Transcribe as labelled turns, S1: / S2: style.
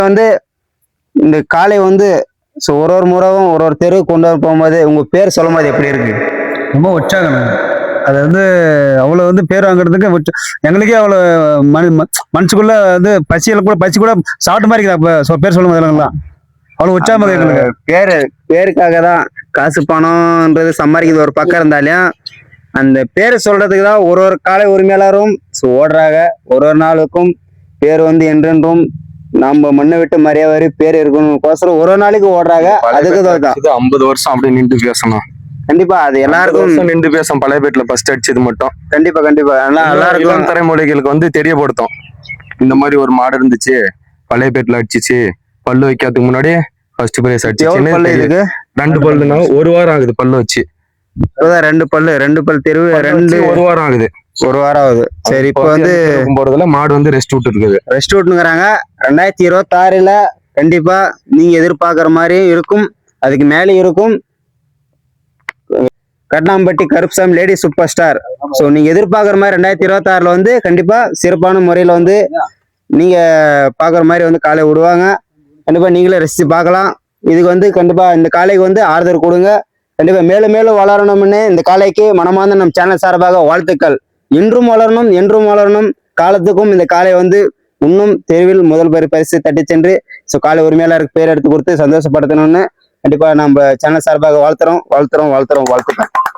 S1: வந்து இந்த காளை வந்து ஒரு ஒரு முறையும் ஒரு ஒரு தெரு கொண்டு வர போகும்போது உங்க பேர் சொல்லும் போது எப்படி இருக்கு?
S2: ரொம்ப உற்சாகம். அது வந்து அவ்வளோ வந்து பேர் வாங்குறதுக்கு எங்களுக்கே அவ்வளோ மனசுக்குள்ள வந்து பசி கூட சாப்பிட்ட மாதிரி இருக்குது. பேர் சொல்லும் போதெல்லாம் அவ்வளோ உற்சாகமாக எங்களுக்கு.
S1: பேருக்காக தான் காசு பணம்ன்றது சம்பாதிக்கிறது ஒரு பக்கம் இருந்தாலும் அந்த பேரை சொல்றதுக்கு தான் ஒரு ஒரு காலை உரிமையாளரும் ஓடுறாங்க. ஒரு ஒரு நாளுக்கும் பேர் வந்து என்றென்றும் நம்ம மண்ணை விட்டு மரியாதை பேர் இருக்கணும் ஒரு நாளைக்கு ஓடுறாங்க. அதுக்கு தான்
S3: 50 வருஷம் அப்படி நின்று பேசணும்.
S1: கண்டிப்பா அது எல்லாருக்கும்
S3: நின்று பேசும். பழையபேட்டில் ஃபர்ஸ்ட் அடிச்சது மட்டும்
S1: கண்டிப்பா எல்லாருக்கும்
S3: தலைமுறைகளுக்கு வந்து தெரியப்படுத்தும். இந்த மாதிரி ஒரு மாடு இருந்துச்சு, பழையபேட்டில் அடிச்சிச்சு, பல்லு வைக்கிறதுக்கு முன்னாடி ஃபர்ஸ்ட் பிரைஸ் அடிச்சு. 2 பல்லுனா 1 வாரம் ஆகுது பல்லு வச்சு.
S1: 2 பல்லு தெருவு
S3: 1 வாரம் ஆகுது.
S1: 1 வாரம் ஆகுது. சரி, இப்போ வந்து
S3: போறதுல மாடு வந்து ரெஸ்ட் விட்டுருக்குது.
S1: ரெஸ்ட் விட்டுங்கிறாங்க. 2026ல கண்டிப்பா நீங்க எதிர்பார்க்குற மாதிரி இருக்கும், அதுக்கு மேலே இருக்கும். Katnampatti Karupsamy lady super star. So நீங்க எதிர்பார்க்குற மாதிரி 2026ல வந்து கண்டிப்பா சிறப்பான முறையில வந்து நீங்க பாக்குற மாதிரி வந்து காலை விடுவாங்க. கண்டிப்பா நீங்களே ரசிச்சு பார்க்கலாம். இதுக்கு வந்து கண்டிப்பா இந்த காலைக்கு வந்து ஆதரவு கொடுங்க. கண்டிப்பா மேலும் மேலும் வளரணும்னு இந்த காலைக்கு மனமார்ந்த நம்ம சேனல் சார்பாக வாழ்த்துக்கள். இன்றும் வளரணும், என்றும் வளரணும். காலத்துக்கும் இந்த காலை வந்து இன்னும் தெருவில் முதல் பரிசு தட்டி சென்று காலை உரிமையாளருக்கு பேர் எடுத்து கொடுத்து சந்தோஷப்படுத்தணும்னு கண்டிப்பா நம்ம சேனல் சார்பாக வாழ்த்துறோம்.